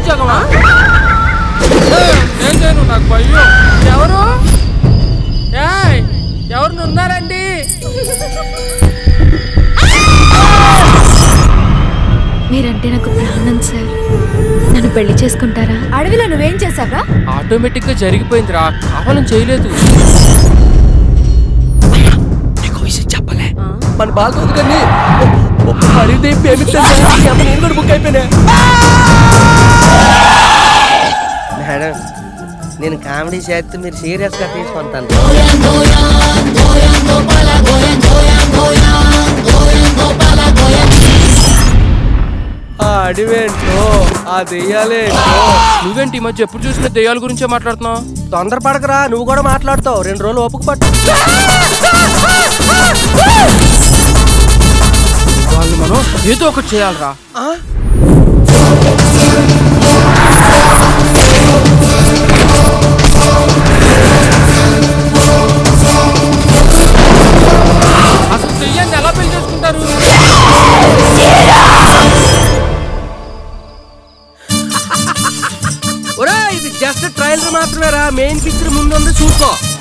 ఉద్యోగమా? ఏం చేయను, నాకు భయం. ఎవరు ఎవరు ఉన్నారండి? మీరంటే నాకు ప్రాణం సార్. నన్ను పెళ్లి చేసుకుంటారా? అడవిలో నువ్వేం చేసావా? ఆటోమేటిక్ గా జరిగిపోయిందిరా, కావాలని చేయలేదు. చెప్పలే మన బాగుంది కానీ హరిదేవి నేను కూడా బుక్ అయిపోయినా. మేడం, నేను కామెడీ చేస్తే మీరు సీరియస్ గా తీసుకుంటాను. ఆ అడివేంటో ఆ దెయ్యాలేంటో. నువ్వేంటి ఈ మధ్య ఎప్పుడు చూసినా దెయ్యాల గురించే మాట్లాడుతున్నావు? తొందరపడకరా, నువ్వు కూడా మాట్లాడుతావు. 2 రోజులు ఓపిక పట్టు. వాళ్ళు మనం ఏదో ఒకటి చేయాలరా. అసలు దెయ్యాన్ని ఎలా పెళ్లి చేసుకుంటారు? ఒరే, ఇది జస్ట్ ట్రైలర్ మాత్రమేరా, మెయిన్ పిక్చర్ ముందుంది చూసుకో.